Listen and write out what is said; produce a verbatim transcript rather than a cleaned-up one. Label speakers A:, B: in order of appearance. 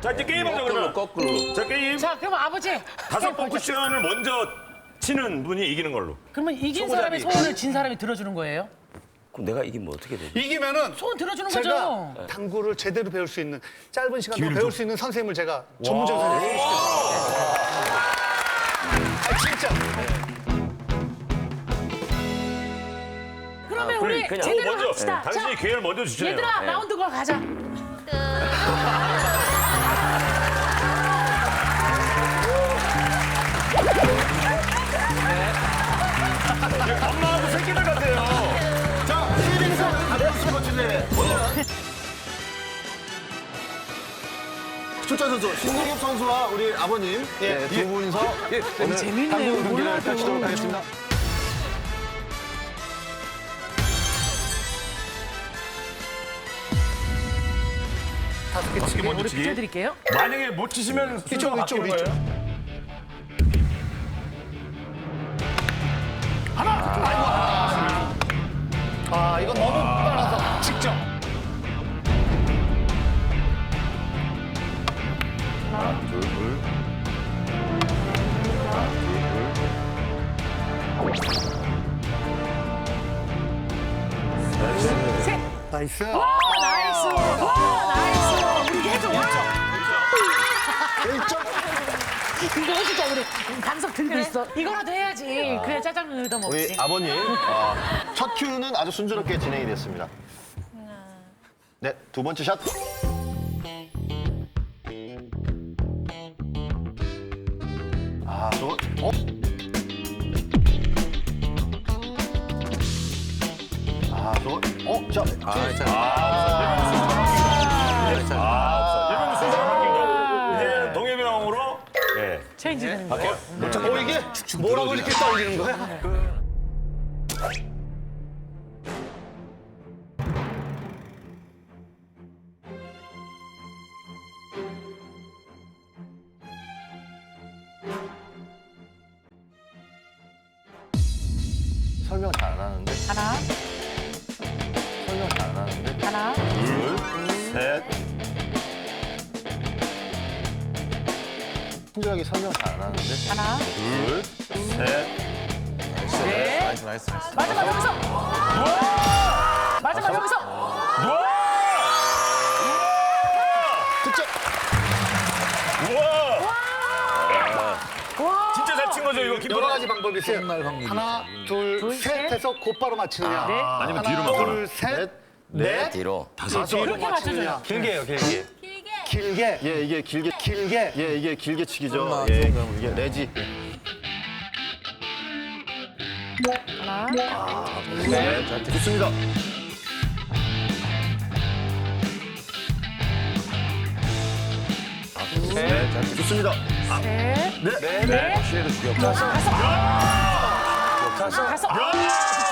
A: 자, 이제 게임하자, 그러면.
B: 거꾸로.
A: 자, 게임.
C: 자, 그럼 아버지.
A: 다섯 번 쿠션을 먼저 치는 분이 이기는 걸로.
C: 그러면 이긴 사람의 소원을 진 사람이 들어주는 거예요?
B: 그럼 내가 이기면 어떻게 되지?
D: 이기면은
C: 소원 들어주는
D: 제가
C: 거죠?
D: 당구를 제대로 배울 수 있는 짧은 시간 동안 배울 수 있는 선생님을 제가 전문적인 선생님을 소개시켜드릴게요. 아, 진짜.
C: 그러면
B: 아,
C: 우리
B: 그냥-
C: 제대로
A: 먼저.
C: 합시다.
A: 당신이
C: 자,
A: 기회를 먼저 주시네요.
C: 얘들아,
A: 네.
C: 라운드 걸 가자.
A: 엄마하고 새끼들 같아요.
E: 자, 시리즈에서 가장 스포츠네. 오늘은 출전 선수 신동엽 선수와 우리 아버님 예, 두 분이서 오늘
C: 재밌네요.
E: 당구 경기를
C: 몰라도.
E: 펼치도록 하겠습니다.
A: 다섯 개 치기 먼저
C: 우리
A: 치기.
C: 비켜드릴게요.
A: 만약에 못 치시면 순서가
D: 이쪽,
A: 바뀌는
D: 이쪽,
A: 거예요.
D: 아, 이건 너무 빨라서 직접. 나이스.
C: 와, 나이스. 와, 나이스. 우리 해줘. 와.
E: 일 점.
C: 이거 진짜 우리 방석 들고 있어. 이거라도 해야지. 그래야 짜장면 얻어 먹지.
E: 우리 아버님 어, 첫 큐는 아주 순조롭게 진행이 됐습니다. 네, 두 번째 샷. 아, 저 어? 아, 저 어? 자,
B: 아, 자.
A: 일본 순서가 바뀐 거. 이제 동해병으로. 예.
C: 체인지 되는 거예요.
D: 어, 이게 뭐라고 이렇게 떨리는 거야?
E: 설명 잘 안 하는데.
C: 하나,
E: 설명 잘 안 하는데.
C: 하나,
A: 둘, 셋.
E: 친절하게 설명 잘 안 하는데.
C: 하나,
A: 둘, 셋.
C: 넷.
B: 나이스, 나이스, 나이스.
C: 마지막 여기서. 마지막 여기서.
D: 득점.
A: 우와!
C: 와.
A: 진짜 잘 친 거죠, 이거 김
D: 여러 가지 방법이 있어요.
B: 날 확률이.
D: 하나, 둘,
C: 둘,
D: 셋
C: 셋.
D: 해서 곧바로 맞추느냐.
C: 네.
A: 아니면
D: 하나,
A: 뒤로 맞거나.
D: 둘, 셋, 넷,
B: 뒤로.
D: 다섯. 뒤로
C: 그렇게
D: 맞추느냐.
C: 맞춰줘요.
E: 길게요, 길게.
D: 길게.
E: 예, 이게 길게.
D: 길게.
E: 예, 이게 길게 치기죠.
B: 엄마,
E: 예,
B: 좀
E: 이게 레지.
C: 하나,
E: 네, 자, 좋습니다. 네, 자, 좋습니다.
C: 셋,
E: 네,
C: 넷,
B: 시에도 죽여.
C: 다섯. 다섯.